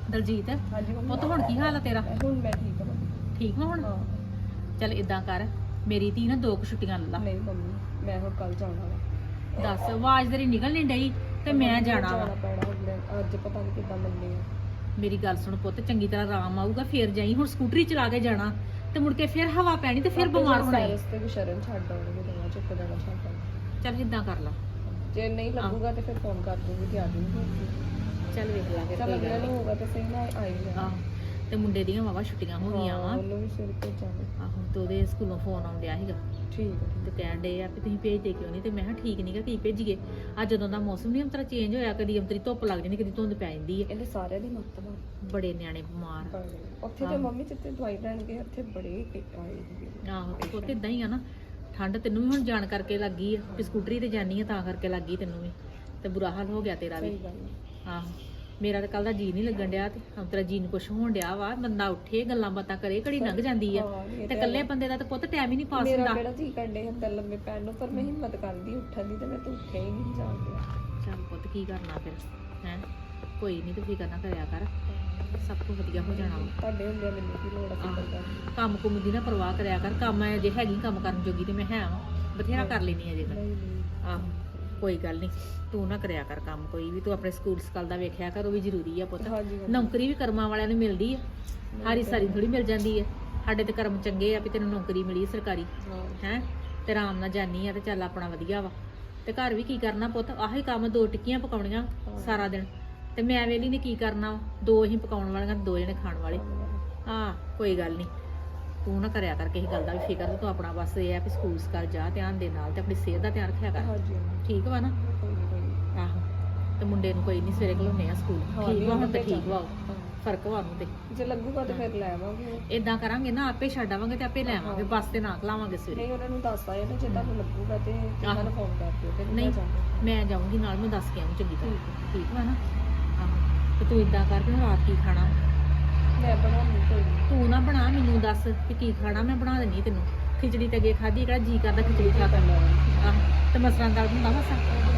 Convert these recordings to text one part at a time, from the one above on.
ਦਲਜੀਤ ਹਾਂਜੀ ਮੰਮੀ। ਪੁੱਤ ਹੁਣ ਕੀ ਹਾਲ ਆ ਤੇਰਾ? ਹੁਣ ਮੈਂ ਠੀਕ ਹਾਂ ਮੰਮੀ। ਠੀਕ ਵਾ ਹੁਣ? ਹਾਂ ਚੱਲ ਇਦਾਂ ਕਰ, ਮੇਰੀ ਧੀ ਨਾ 2 ਛੁੱਟੀਆਂ ਲੈ ਲਾ। ਨਹੀਂ ਮੰਮੀ, ਮੈਂ ਹੁਣ ਕੱਲ ਜਾਣਾ ਵਾ। ਦੱਸ, ਆਵਾਜ਼ ਤੇਰੀ ਨਿਕਲ ਨਹੀਂ ਡਈ ਤੇ ਮੈਂ ਜਾਣਾ ਵਾ। ਪੈਣਾ ਅੱਜ ਪਤਾ ਨਹੀਂ ਕਿੱਦਾਂ ਮੰਨੇ ਆ। ਮੇਰੀ ਗੱਲ ਸੁਣ ਪੁੱਤ, ਚੰਗੀ ਤਰ੍ਹਾਂ ਆਰਾਮ ਆਊਗਾ ਫੇਰ ਜਾਈ। ਹੁਣ ਸਕੂਟਰੀ ਚਲਾ ਕੇ ਜਾਣਾ ਤੇ ਮੁੜ ਕੇ ਫੇਰ ਹਵਾ ਪੈਣੀ ਤੇ ਫੇਰ ਬਿਮਾਰ ਹੋਣਾ ਈ। ਰਸਤੇ ਵੀ ਸ਼ਰਨ ਛੱਡ ਆਉਣਗੇ, ਦਵਾ ਚੁੱਕ ਜਾਣਾ ਛੱਡ ਆਉਣਗੇ। ਚੱਲ ਇਦਾਂ ਕਰ ਲਾ। ਜੇ ਨਹੀਂ ਲੱਗੂਗਾ ਤੇ ਫਿਰ ਫੋਨ ਕਰ ਦੂੰਗੀ ਤੇ ਆ ਜੂੰਗੀ। ਚੱਲ ਵੇਖ ਲਾਂਗੇ ਚੱਲ ਕੋਈ ਅਗਲੇ ਗੱਲ ਨੂੰ ਨੀ। ਹੋਊਗਾ ਤੇ ਸਹੀ ਨਾ ਆਈ ਜਾ। ਆਹੋ, ਤੇ ਮੁੰਡੇ ਦੀਆਂ ਵਾਵਾ ਛੁੱਟੀਆਂ ਹੋ ਗਈਆਂ ਵਾ। ਉਹਨੂੰ ਵੀ ਸਿਰ ਭੇਜਾਂਗੇ। ਆਹੋ, ਤੇ ਉਹਦੇ ਸਕੂਲੋਂ ਫੋਨ ਆਉਂਦਿਆ ਸੀਗਾ ਠੀਕ ਹੈ ਤੇ ਕਹਿਣ ਡੇ ਆ ਵੀ ਤੁਸੀਂ ਭੇਜਦੇ ਕਿਉਂ ਨਹੀਂ? ਤੇ ਮੈਂ ਕਿਹਾ ਠੀਕ ਨਹੀਂਗਾ, ਕੀ ਭੇਜੀਏ? ਅੱਜ ਜਦੋਂ ਦਾ ਮੌਸਮ ਨਹੀਂ ਅੰਤਰਾ ਚੇਂਜ ਹੋਇਆ, ਕਦੀ ਅੰਤਰੀ ਧੁੱਪ ਲੱਗ ਜਾਂਦੀ, ਕਦੀ ਧੁੰਦ ਪੈ ਜਾਂਦੀ ਹੈ। ਇਹਦੇ ਸਾਰਿਆਂ ਦੀ ਮੱਤ ਵਾ। ਬੜੇ ਨਿਆਣੇ ਬਿਮਾਰ। ਉੱਥੇ ਤੇ ਮੰਮੀ ਜਿੱਥੇ ਦਵਾਈ ਲੈਣ ਗਏ ਉੱਥੇ ਬੜੇ ਆਏ ਸੀਗੇ। ਆਹੋ, ਤੇ ਪੁੱਤ ਇਦਾਂ ਹੀ ਆ ਨਾ। ਠੰਡ ਤੈਨੂੰ ਵੀ ਹੁਣ ਜਾਣ ਕਰਕੇ ਲੱਗੀ ਆ ਵੀ ਸਕੂਟਰੀ ਤੇ ਜਾਨੀ ਆ ਤਾਂ ਕਰਕੇ ਲੱਗੀ ਤੈਨੂੰ ਵੀ, ਤੇ ਬੁਰਾ ਹਾਲ ਹੋ ਗਿਆ ਤੇਰਾ ਵੀ। ਸਹੀ ਗੱਲ ਹੈ। ਆਹੋ, ਮੇਰਾ ਤਾਂ ਕੱਲ ਦਾ ਜੀ ਨਹੀਂ ਲੱਗਣ ਡਿਆ ਤੇ ਅੰਤਰਾ ਜੀ ਨੂੰ ਕੁਛ ਹੋਣ ਡਿਆ ਵਾ। ਬੰਦਾ ਉੱਠੇ ਗੱਲਾਂ ਬਾਤਾਂ ਕਰੇ, ਘੜੀ ਲੰਘ ਜਾਂਦੀ ਆ। ਤੇ ਇਕੱਲੇ ਬੰਦੇ ਦਾ ਤਾਂ ਪੁੱਤ ਟਾਈਮ ਹੀ ਨਹੀਂ ਪਾਸ ਮੇਰਾ ਹੁੰਦਾ। ਕਿਹੜਾ ਜੀ ਕੰਡੇ ਹੁੰਦਾ ਲੰਮੇ ਪੈਣ ਨੂੰ, ਪਰ ਮੈਂ ਹਿੰਮਤ ਕਰਦੀ ਉੱਠਣ ਦੀ ਤੇ ਮੈਂ ਤਾਂ ਉੱਠਿਆ ਹੀ ਨਹੀਂ ਜਾਂਦੀ। ਚੱਲ ਪੁੱਤ ਕੀ ਕਰਨਾ ਫਿਰ, ਹੈ ਕੋਈ ਨਹੀਂ, ਤੂੰ ਫਿਕਰ ਨਾ ਕਰਿਆ ਕਰ, ਸਭ ਕੁਝ ਵਧੀਆ ਹੋ ਜਾਣਾ ਵਾ। ਤੁਹਾਡੇ ਹੁੰਦੇ ਮੈਨੂੰ ਕੀ ਲੋੜ ਆ ਫਿਕਰ ਕਰਨ ਦੀ। ਕੰਮ ਕੁੰਮ ਦੀ ਨਾ ਪਰਵਾਹ ਕਰਿਆ ਕਰ। ਕੰਮ ਜੇ ਹੈਗੀ ਕੰਮ ਕਰਨ ਜੋਗੀ ਤੇ ਮੈਂ ਹੈ ਵਾਂ, ਬਥੇਰਾ ਕਰ ਲੈਣੀ ਅਜੇ ਮੈਂ। ਨਹੀਂ ਨਹੀਂ ਆਹੋ, ਕੋਈ ਗੱਲ ਨਹੀਂ, ਤੂੰ ਨਾ ਕਰਿਆ ਕਰ ਕੰਮ ਕੋਈ ਵੀ। ਤੂੰ ਆਪਣੇ ਸਕੂਲ ਸਕਾਲ ਦਾ ਵੇਖਿਆ ਕਰ, ਉਹ ਵੀ ਜ਼ਰੂਰੀ ਆ ਪੁੱਤ। ਹਾਂਜੀ ਨੌਕਰੀ ਵੀ ਕਰਮਾਂ ਵਾਲਿਆਂ ਨੂੰ ਮਿਲਦੀ ਆ, ਹਾਰੀ ਸਾਰੀ ਥੋੜੀ ਮਿਲ ਜਾਂਦੀ ਹੈ। ਸਾਡੇ ਤੇ ਕਰਮ ਚੰਗੇ ਆ ਵੀ ਤੈਨੂੰ ਨੌਕਰੀ ਮਿਲੀ ਸਰਕਾਰੀ, ਹੈ ਤੇ ਆਰਾਮ ਨਾਲ ਜਾਨੀ ਆ ਤੇ ਚੱਲ ਆਪਣਾ ਵਧੀਆ ਵਾ। ਤੇ ਘਰ ਵੀ ਕੀ ਕਰਨਾ ਪੁੱਤ, ਆਹੀ ਕੰਮ 2 ਟਿੱਕੀਆਂ ਪਕਾਉਣੀਆਂ ਸਾਰਾ ਦਿਨ, ਤੇ ਮੈਂ ਵੇਲੀ ਨੇ ਕੀ ਕਰਨਾ? 2 ਹੀ ਪਕਾਉਣ ਵਾਲੀਆਂ, 2 ਜਣੇ ਖਾਣ ਵਾਲੇ। ਹਾਂ, ਕੋਈ ਗੱਲ ਨਹੀਂ, ਤੂੰ ਨਾ ਕਰਿਆ ਕਰ ਕਿਸੇ ਗੱਲ ਦਾ ਵੀ ਫਿਕਰ। ਤੂੰ ਆਪਣਾ ਬਸ ਇਹ ਆ ਵੀ ਸਕੂਲ ਸਕਾਲ ਜਾ ਧਿਆਨ ਦੇ ਨਾਲ, ਤੇ ਆਪਣੀ ਸਿਹਤ ਦਾ ਧਿਆਨ ਰੱਖਿਆ ਕਰ। ਹਾਂਜੀ ਠੀਕ ਵਾ ਨਾ? ਕੋਈ ਨਹੀਂ। ਆਹੋ, ਤੇ ਮੁੰਡੇ ਨੂੰ ਕੋਈ ਨਹੀਂ ਸਵੇਰੇ ਘਲਾਉਣੇ ਆ ਸਕੂਲ। ਠੀਕ ਵਾ ਹੁਣ? ਤੇ ਠੀਕ ਵਾ, ਫਰਕ ਵਾ ਉਹਨੂੰ ਤੇ। ਜੇ ਲੱਗੂਗਾ ਤਾਂ ਫਿਰ ਲੈ ਆਵਾਂਗੇ। ਇਦਾਂ ਕਰਾਂਗੇ ਨਾ, ਆਪੇ ਛੱਡ ਆਵਾਂਗੇ ਤੇ ਆਪੇ ਲੈ ਆਵਾਂਗੇ, ਬੱਸ ਤੇ ਨਾ ਘਲਾਵਾਂਗੇ ਸਵੇਰੇ। ਨਹੀਂ ਉਹਨਾਂ ਨੂੰ ਦੱਸ ਆਏ ਨਾ, ਜੇ ਤੁਹਾਨੂੰ ਲੱਗੂਗਾ ਤੇ ਉਹਨਾਂ ਨੂੰ ਫੋਨ ਕਰ ਦਿਓ ਤੇ ਨਹੀਂ, ਮੈਂ ਜਾਊਂਗੀ ਨਾਲ, ਮੈਂ ਦੱਸ ਕੇ ਆਊਂ ਚੰਗੀ ਤਰ੍ਹਾਂ। ਠੀਕ ਵਾ ਨਾ? ਆਹੋ, ਤੇ ਤੂੰ ਇਦਾਂ ਕਰ ਵੀ ਰਾਤ ਕੀ ਖਾਣਾ? ਮੈਂ ਬਣਾਉਣੀ ਕੋਈ ਨਹੀਂ। ਤੂੰ ਨਾ ਬਣਾ, ਮੈਨੂੰ ਦੱਸ ਕਿ ਕੀ ਖਾਣਾ, ਮੈਂ ਬਣਾ ਦਿੰਦੀ ਤੈਨੂੰ। ਖਿਚੜੀ ਤੇ ਅੱਗੇ ਖਾਧੀ, ਕਿਹੜਾ ਜੀ ਕਰਦਾ ਖਿਚੜੀ ਖਾ ਕੇ? ਆਹ, ਤੇ ਮਸਰਾਂ ਦਾ ਹੁੰਦਾ ਮਸਾ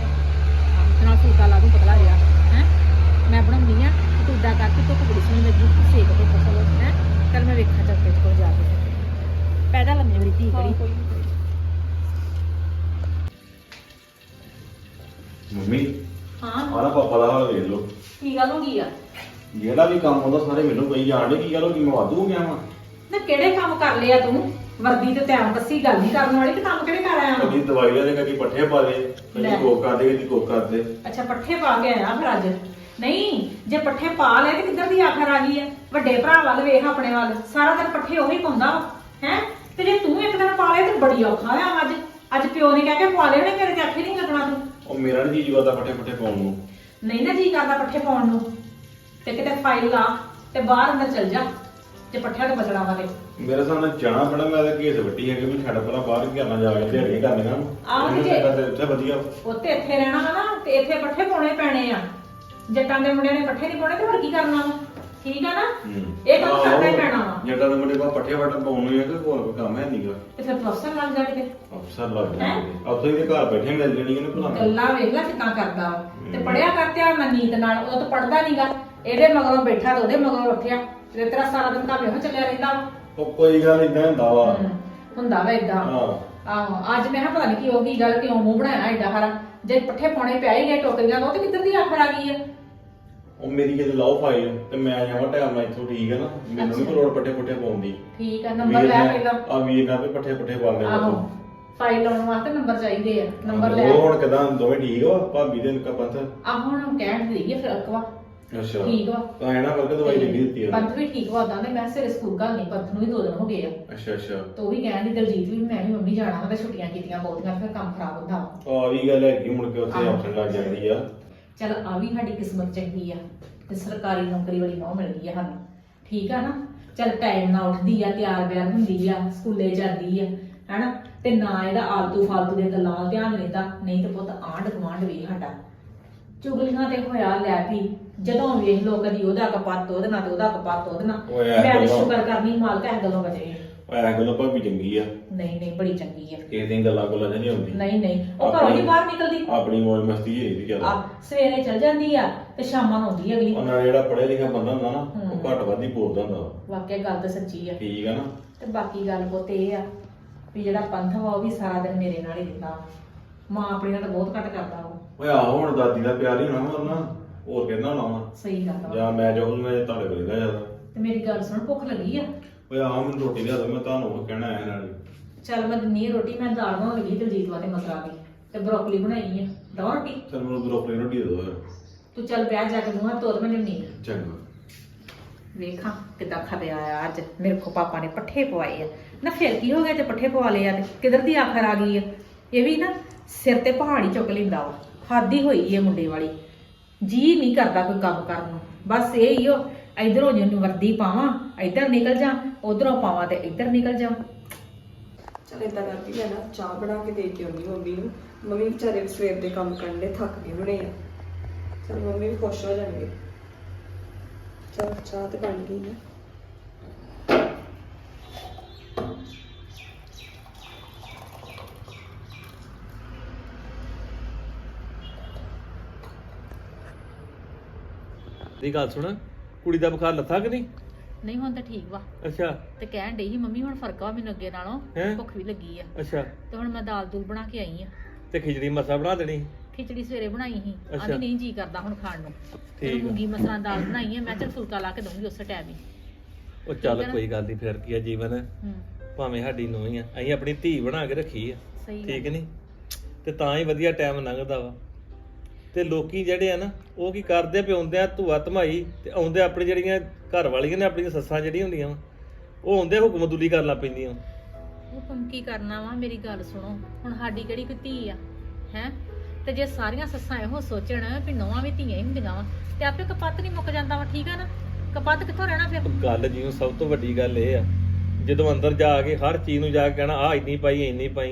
ਨਾਲ ਫੁਲਕਾ ਲਾ ਦੂੰ ਪਤਲਾ ਜਿਹਾ, ਹੈ ਮੈਂ ਬਣਾਉਂਦੀ ਆ। ਤੂੰ ਇਦਾਂ ਕਰਕੇ ਧੁੱਪ ਬੜੀ ਸੋਹਣੀ ਲੱਗੀ, ਸੇਕ ਤੇ ਫਸਲ ਹੈ। ਚੱਲ ਮੈਂ ਵੇਖਾਂ ਚੱਲ ਤੇ ਕੋਲ ਜਾ ਕੇ ਪੈਦਾ ਲੰਮੀ ਮੇਰੀ ਧੀ ਕਰੀ। ਕੋਈ ਨਹੀਂ। ਮੰਮੀ ਹਾਂ, ਆਹ ਪਾਪਾ ਦਾ ਹਾਲ ਵੇਖ ਲਓ। ਕੀ ਗੱਲ ਹੋ ਗਈ ਆ? ਜਿਹੜਾ ਵੀ ਕੰਮ ਹੁੰਦਾ ਸਾਰੇ ਮੈਨੂੰ ਕਹੀ ਜਾਣ ਡੇ। ਕੀ ਗੱਲ ਹੋ ਗਈ? ਮੈਂ ਵਾਧੂ ਹੋ ਗਿਆ ਵਾਂ। ਨਾ ਕਿਹੜੇ ਕੰਮ ਕਰ ਲਿਆ ਤੂੰ? ਵਰਦੀ ਤੇ ਧਿਆਨ ਦੱਸੀ ਗੱਲ ਨਹੀਂ ਕਰਨ ਵਾਲੀ, ਤੇ ਕੰਮ ਕਿਹੜੇ ਕਰ ਆਇਆ? ਕਦੀ ਦਵਾਈ ਲੈ ਕਦੀ ਪੱਠੇ ਪਾ ਦੇ, ਲੈ। ਕਦੀ ਕੋਕ ਕਰਦੇ, ਕਦੀ ਕੋਕ ਕਰਦੇ। ਅੱਛਾ, ਪੱਠੇ ਪਾ ਕੇ ਆਇਆ ਫਿਰ ਅੱਜ? ਨਹੀਂ, ਜੇ ਪੱਠੇ ਪਾ ਲਏ ਤੇ ਕਿੱਧਰ ਦੀ ਆਖਰ ਆ ਗਈ ਹੈ? ਵੱਡੇ ਭਰਾ ਵੱਲ ਵੇਖ, ਆਪਣੇ ਵੱਲ। ਸਾਰਾ ਦਿਨ ਪੱਠੇ ਉਹੀ ਪਾਉਂਦਾ ਹੈ, ਤੇ ਜੇ ਤੂੰ ਇੱਕ ਦਿਨ ਪਾ ਲਏ ਤੇ ਬੜੀ ਔਖਾ ਆ। ਅੱਜ ਪਿਓ ਨੇ ਕਹਿ ਕੇ ਪਾ ਲਏ ਹੋਣੇ, ਮੇਰੇ ਤੇ ਆਖੇ ਨਹੀਂ ਲੱਗਣਾ ਤੂੰ। ਉਹ ਮੇਰਾ ਨੀ ਜੀ ਕਰਦਾ ਪੱਠੇ ਪੁੱਠੇ ਪਾਉਣ ਨੂੰ। ਨਹੀਂ ਨਾ ਜੀ ਕਰਦਾ ਪੱਠੇ ਪਾਉਣ ਨੂੰ, ਤੇ ਕਿਤੇ ਫਾਈਲ ਲਾ ਤੇ ਬਾਹਰ ਅੰਦਰ ਚਲ ਜਾ, ਤੇ ਪੱਠਿਆਂ ਤੋਂ ਬਚਣਾ ਵਾਲੇ। ਮੇਰੇ ਸਾਹਮਣੇ ਜਾਣਾ ਪੈਣਾ। ਮੈਂ ਤਾਂ ਘੇਸ ਵੱਟੀ ਹੈ ਕਿ ਮੈਂ ਛੱਡ ਪਹਿਲਾਂ ਬਾਹਰ ਘਰਨਾ ਜਾ ਕੇ ਦਿਹਾੜੀਆਂ ਕਰਨੀਆਂ। ਆਹੋ ਜੀ। ਉੱਥੇ ਵਧੀਆ। ਉੱਥੇ ਇੱਥੇ ਰਹਿਣਾ ਵਾ ਨਾ, ਤੇ ਇੱਥੇ ਪੱਠੇ ਪਾਉਣੇ ਪੈਣੇ ਆ। ਜੱਟਾਂ ਦੇ ਮੁੰਡਿਆਂ ਨੇ ਪੱਠੇ ਨਹੀਂ ਪਾਉਣੇ ਤੇ ਹੋਰ ਕੀ ਕਰਨਾ ਵਾ? ਠੀਕ ਆ ਨਾ? ਇਹ ਕੰਮ ਕਰਨਾ ਹੀ ਪੈਣਾ ਵਾ। ਜੱਟਾਂ ਦੇ ਮੁੰਡੇ ਕੋਲ ਪੱਠੇ ਵੱਟ ਪਾਉਣ ਨੂੰ ਹੈ ਕਿ ਹੋਰ ਕੋਈ ਕੰਮ ਹੈ ਨਹੀਂਗਾ। ਤੇ ਫਿਰ ਤੂੰ ਅਫਸਰ ਲੱਗ ਜਾ ਕਿਤੇ। ਅਫਸਰ ਲੱਗ ਜਾਂਦੇ ਉੱਥੇ ਦੇ ਘਰ ਬੈਠੇ ਮਿਲ ਜਾਣੀ ਇਹਨੂੰ ਭੁਲਾ। ਗੱਲਾਂ ਵੇਖ ਲੈ ਕਿੱਦਾਂ ਕਰਦਾ ਵਾ। ਤੇ ਪੜਿਆ ਕਰ ਧਿਆਨ ਨਾਲ ਨੀਤ ਨਾਲ। ਉਹ ਤਾਂ ਪੜਦਾ ਨਹੀਂਗਾ, ਇਹਦੇ ਮਗਰੋਂ ਬੈਠਾ ਤੇ ਉਹਦੇ ਮਗਰੋਂ ਉੱਠਿਆ, ਤੇ ਤੇਰਾ ਸਾਰਾ ਦਿਨ ਕੰਮ ਇਹੋ ਚੱਲਿਆ ਰਹਿੰਦਾ ਵਾ। ਉਹ ਕੋਈ ਗੱਲ ਇਦਾਂ ਹੁੰਦਾ ਵਾ। ਹੁੰਦਾ ਵਾ ਏਦਾਂ। ਹਾਂ, ਆਹੋ, ਅੱਜ ਮੈਂ ਕਿਹਾ ਪਤਾ ਨਹੀਂ ਕੀ ਹੋ ਗਈ ਗੱਲ, ਕਿਉਂ ਮੂੰਹ ਬਣਾਇਆ ਏਡਾ ਹਰਾ? ਜੇ ਪੱਠੇ ਪਾਉਣੇ ਪਿਆ ਹੀ ਗਏ ਟੋਕਰੀਆਂ ਤੋਂ, ਤੇ ਕਿੱਧਰ ਦੀ ਆਖਰ ਆ ਗਈ ਹੈ? ਉਹ ਮੇਰੀ ਕਿਤੇ ਲਾਓ ਫਾਈਲ ਤੇ ਮੈਂ ਜਾਵਾਂ ਟਾਈਮ ਨਾਲ ਇੱਥੋਂ। ਠੀਕ ਹੈ ਨਾ? ਮੈਨੂੰ ਨਹੀਂ ਲੋੜ ਪੱਠੇ ਪੁੱਠੇ ਪਾਉਣ ਦੀ। ਠੀਕ ਆ, ਨੰਬਰ ਲੈ ਪਹਿਲਾਂ। ਆ ਵੀਰ ਨਾਲ ਵੀ ਪੱਠੇ ਪੁੱਠੇ ਪਾ ਲੈਣਾ ਆਹੋ, ਤੂੰ। ਫਾਈਲ ਲਾਉਣ ਵਾਸਤੇ ਨੰਬਰ ਚਾਹੀਦੇ ਆ, ਨੰਬਰ ਲੈ। ਉਹ ਹੁਣ ਕਿਦਾਂ ਦੋਵੇਂ ਠੀਕ ਵਾ? ਭਾਬੀ ਦੇ ਨਿੱਕਾ ਪੰਥ? ਆ ਹੁਣ ਕਹਿਣ ਦੀ ਹੈ ਫਿਰ ਅਕਵਾ ਅੱਛਾ, ਠੀਕ ਵਾ। ਤਾਂ ਇਹਨਾਂ ਕਰਕੇ ਦਵਾਈ ਲਿਖੀ ਦਿੱਤੀ ਆ। ਪੰਥ ਵੀ ਠੀਕ ਵਾ ਉਦਾਂ, ਤੇ ਮੈਂ ਸਿਰੇ ਸਕੂਲ ਘੱਲ ਨਹੀਂ, ਪੰਥ ਨੂੰ ਵੀ 2 ਦਿਨ ਹੋ ਗਏ ਆ। ਅੱਛਾ ਅੱਛਾ। ਤੇ ਉਹ ਵੀ ਕਹਿਣ ਦੀ ਦਲਜੀਤ ਵੀ ਮੈਂ ਵੀ ਮੰਮੀ ਜਾਣਾ ਵਾ, ਤੇ ਛੁੱਟੀਆਂ ਕੀਤੀਆਂ ਬਹੁਤੀਆਂ, ਫਿਰ ਕੰਮ ਖਰਾਬ ਹੁੰਦਾ ਵਾ। ਆ ਵੀ ਗੱਲ ਹੈਗੀ, ਮੁੜ ਕੇ ਉੱਥੇ ਆਪਸ਼ਨ ਲੱਗ ਜਾਂਦੀ ਆ। ਚੱਲ ਆ ਵੀ ਸਾਡੀ ਕਿਸਮਤ ਚੰਗੀ ਆ, ਤੇ ਸਰਕਾਰੀ ਨੌਕਰੀ ਵਾਲੀ ਨੌ ਮਿਲ ਗਈ ਆ ਸਾਨੂੰ। ਠੀਕ ਆ ਨਾ? ਚੱਲ ਟਾਈਮ ਨਾਲ ਉੱਠਦੀ ਆ, ਤਿਆਰ ਬਿਆਰ ਹੁੰਦੀ ਆ, ਸਕੂਲੇ ਜਾਂਦੀ ਆ, ਹੈਨਾ? ਤੇ ਨਾ ਇਹਦਾ ਆਲਤੂ ਫਾਲਤੂ ਦੀਆਂ ਗੱਲਾਂ ਵੱਲ ਧਿਆਨ ਰਹਿੰਦਾ। ਨਹੀਂ ਤੇ ਪੁੱਤ ਆਂਢ ਗੁਆਂਢ ਵੀ ਸਾਡਾ ਚੁਗਲੀਆਂ ਤੇ ਹੋਇਆ ਲੈ ਵੀ, ਜਦੋਂ ਵੇਖ ਲੋ ਕਦੀ ਉਹਦਾ ਕਪੱਤ ਉਹਦੇ ਨਾਲ, ਤੇ ਉਹਦਾ ਕਪੱਤ ਉਹਦੇ ਨਾਲ। ਓਏ ਮੈਂ ਤਾਂ ਗੱਲਾਂ- ਸ਼ੁਕਰ ਕਰਨੀ ਮਾਲਕ ਇਸ ਗੱਲੋਂ ਬਚੇ। ਐ ਗੱਲੋਂ ਭਾਬੀ ਚੰਗੀ ਆ, ਨਹੀਂ ਨਹੀਂ ਬੜੀ ਚੰਗੀ ਆ। ਕਿਸੇ ਦੀਆਂ ਗੱਲਾਂ ਕੋਲਾਂ ਨਹੀਂ ਆਉਂਦੀ। ਨਹੀਂ ਨਹੀਂ ਉਹ ਘਰੋਂ ਨਹੀਂ ਬਾਹਰ ਨਿਕਲਦੀ। ਆਪਣੀ ਮੌਜ ਮਸਤੀ ਹੀ ਰਹੀ ਜ਼ਿਆਦਾ। ਆ ਸਵੇਰੇ ਚਲ ਜਾਂਦੀ ਆ ਤੇ ਸ਼ਾਮਾਂ ਨੂੰ ਆਉਂਦੀ ਅਗਲੀ। ਉਹਨਾਂ ਜਿਹੜਾ ਪੜ੍ਹਿਆ ਲਿਖਿਆ ਬੰਦਾ ਹੁੰਦਾ ਨਾ ਉਹ ਘੱਟ ਵੱਧ ਹੀ ਬੋਲਦਾ ਹੁੰਦਾ ਵਾ। ਵਾਕਿਆ ਗੱਲ ਤਾਂ ਸੱਚੀ ਆ। ਠੀਕ ਆ ਨਾ। ਤੇ ਬਾਕੀ ਗੱਲ ਪੁੱਤ ਇਹ ਆ ਵੀ ਜਿਹੜਾ ਪੰਥ ਵਾ ਉਹ ਵੀ ਸਾਰਾ ਦਿਨ ਮੇਰੇ ਨਾਲ ਹੀ ਰਹਿੰਦਾ। ਮਾਂ ਆਪਣੀ ਨਾਲ ਤਾਂ ਬਹੁਤ ਘੱਟ ਕਰਦਾ ਉਹ। ਓਏ ਆਹੋ ਹੁਣ ਦਾਦੀ ਦਾ ਪਿਆਰ ਹੀ ਹੋਣਾ ਵਾ ਉਹਨਾਂ, ਹੋਰ ਕਹਿੰਦਾ ਹੋਣਾ ਵਾ। ਸਹੀ ਗੱਲ ਵਾ। ਜਾਂ ਮੈਂ ਜੋ ਮੈਂ ਤੁਹਾਡੇ ਕੋਲ ਰਹਿੰਦਾ ਜ਼ਿਆਦਾ। ਤੇ ਮੇਰੀ ਗੱਲ ਸੁਣ, ਭੁੱਖ ਲੱਗੀ ਆ? ਓਏ ਆਹ ਮੈਨੂੰ ਰੋਟੀ ਲਿਆ ਦੋ, ਮੈਂ ਤੁਹਾਨੂੰ ਉਹ ਕਹਿਣਾ ਆਇਆ ਨਾਲ। ਚੱਲ ਮੈਂ ਦਿੰਨੀ ਆ ਰੋਟੀ। ਮੈਂ ਦਾਲ ਬਣਾਉਣ ਲੱਗੀ ਦਲਜੀਤ ਵਾਸਤੇ ਮਸਰਾ ਦੀ, ਤੇ ਬਰੋਕਲੀ ਬਣਾਈ ਆ। ਦਵਾਂ ਰੋਟੀ? ਚਲ ਮੈਨੂੰ ਬਰੋਕਲੀ ਰੋਟੀ ਦੇ ਦੋ ਫਿਰ। ਤੂੰ ਚੱਲ ਵਿਆਹ ਜਾ ਕੇ ਮੂੰਹ ਹੱਥ ਧੋ ਤੇ ਮੈਂ ਲਿਆਉਣੀ ਆ। ਚੰਗਾ। ਵੇਖਾਂ ਕਿੱਦਾਂ ਖਪਿਆ ਆ ਅੱਜ। ਮੇਰੇ ਕੋ ਪਾਪਾ ਨੇ ਪੱਠੇ ਪਵਾਏ ਆ ਨਾ। ਫਿਰ ਕੀ ਹੋ ਗਿਆ ਜੇ ਪੱਠੇ ਪਵਾ ਲਏ ਆ ਤੇ ਕਿਧਰ ਦੀ ਆਖਰ ਆ ਗਈ ਆ। ਇਹ ਵੀ ਨਾ ਸਿਰ ਤੇ ਪਹਾੜੀ ਚੁੱਕ ਲੈਂਦਾ ਵਾ। ਹਾਦੀ ਹੋਈ ਹੈ ਮੁੰਡੇ ਵਾਲੀ। ਜੀ ਨਹੀਂ ਕਰਦਾ ਕੋਈ ਕੰਮ ਕਰਨ ਨੂੰ। ਬਸ ਇਹ ਹੀ ਉਹ ਇਧਰੋਂ ਜਿਹਨੂੰ ਵਰਦੀ ਪਾਵਾਂ ਇੱਧਰ ਨਿਕਲ ਜਾ, ਉਧਰੋਂ ਪਾਵਾਂ ਤੇ ਇੱਧਰ ਨਿਕਲ ਜਾ। ਚਲ ਏਦਾਂ ਕਰਦੀ ਮੈਂ ਨਾ ਚਾਹ ਬਣਾ ਕੇ ਦੇ ਕੇ ਆਉਂਦੀ ਮੰਮੀ ਨੂੰ। ਮੰਮੀ ਵਿਚਾਰੇ ਸਵੇਰ ਦੇ ਕੰਮ ਕਰਨ ਦੇ ਥੱਕ ਗਏ ਹੋਣੇ ਆ। ਚਲ ਮੰਮੀ ਵੀ ਖੁਸ਼ ਹੋ ਜਾਣਗੇ। ਚਲ ਚਾਹ ਤੇ ਬਣ ਗਈ ਹੈ। ਦੀ ਗੱਲ ਸੁਣ, ਕੁੜੀ ਦਾ ਬੁਖਾਰ ਲੱਥਾ ਕਿ ਨਹੀਂ? ਨਹੀਂ ਹੁਣ ਤਾਂ ਠੀਕ ਵਾ। ਅੱਛਾ ਤੇ ਕਹਿਣ ਡਈ ਸੀ ਮੰਮੀ ਹੁਣ ਫਰਕ ਵਾ ਮੈਨੂੰ ਅੱਗੇ ਨਾਲੋਂ। ਹੈਂ? ਭੁੱਖ ਵੀ ਲੱਗੀ ਆ। ਅੱਛਾ ਤੇ ਹੁਣ ਮੈਂ ਦਾਲ ਦੂਲ ਬਣਾ ਕੇ ਆਈ ਆ। ਤੇ ਖਿਚੜੀ ਮਸਾ ਬਣਾ ਦੇਣੀ। ਖਿਚੜੀ ਸਵੇਰੇ ਬਣਾਈ ਸੀ। ਅੱਛਾ। ਆਂਦੀ ਨਹੀਂ ਜੀ ਕਰਦਾ ਹੁਣ ਖਾਣ ਨੂੰ। ਤੇ ਠੀਕ ਆ। ਮੂੰਗੀ ਮਸਰਾਂ ਦਾਲ ਬਣਾਈ ਆ। ਮੈਂ ਚੱਲ ਫੁਲਕਾ ਲਾ ਕੇ ਦਊਂਗੀ ਉਸੇ ਟਾਈਮ ਹੀ। ਉਹ ਚੱਲ ਠੀਕ ਆ ਨਾ? ਕੋਈ ਗੱਲ ਨਹੀਂ, ਫਿਰ ਕੀ ਆ ਜੀਵਨ। ਹੂੰ ਭਾਵੇਂ ਸਾਡੀ ਨੂੰਹ ਹੀ ਆ, ਅਸੀਂ ਆਪਣੀ ਧੀ ਬਣਾ ਕੇ ਰੱਖੀ ਆ। ਸਹੀ ਠੀਕ ਗੱਲ। ਨਹੀਂ? ਤੇ ਤਾਂ ਹੀ ਵਧੀਆ ਟਾਈਮ ਲੰਘਦਾ ਵਾ। ਤੇ ਲੋਕੀ ਜਿਹੜੇ ਆ ਨਾ ਉਹ ਕੀ ਕਰਦੇ ਪਿਆਉਂਦੇ ਆ ਧੂਆ ਧਮਾਈ, ਤੇ ਆਉਂਦੇ ਆਪਣੀ ਜਿਹੜੀਆਂ ਘਰ ਵਾਲੀਆਂ ਨੇ ਆਪਣੀਆਂ ਸੱਸਾਂ ਜਿਹੜੀਆਂ ਹੁੰਦੀਆਂ ਵਾ ਉਹ ਆਉਂਦੇ ਹੁਕਮਦੁਲੀ ਕਰਨ ਲੱਗ ਪੈਂਦੀਆਂ। ਹੁਕਮ ਕੀ ਕਰਨਾ ਵਾ? ਮੇਰੀ ਗੱਲ ਸੁਣੋ, ਹੁਣ ਸਾਡੀ ਕਿਹੜੀ ਕੋਈ ਧੀ ਆ ਹੈ? ਤੇ ਜੇ ਸਾਰੀਆਂ ਸੱਸਾਂ ਇਹੋ ਸੋਚਣ ਵੀ ਨੌਵਾਂ ਵੀ ਧੀਆਂ ਹੀ ਹੁੰਦੀਆਂ ਵਾ ਤੇ ਆਪੇ ਕਪੱਤ ਨਹੀਂ ਮੁੱਕ ਜਾਂਦਾ ਵਾ। ਠੀਕ ਆ ਨਾ? ਕਪੱਤ ਕਿੱਥੋਂ ਰਹਿਣਾ ਫਿਰ? ਗੱਲ ਜਿਉਂ ਸਭ ਤੋਂ ਵੱਡੀ ਗੱਲ ਇਹ ਆ, ਜਦੋਂ ਅੰਦਰ ਜਾ ਕੇ ਹਰ ਚੀਜ਼ ਨੂੰ ਜਾ ਕੇ ਕਹਿਣਾ ਆਹ ਇੰਨੀ ਪਾਈ ਇੰਨੀ ਪਾਈ।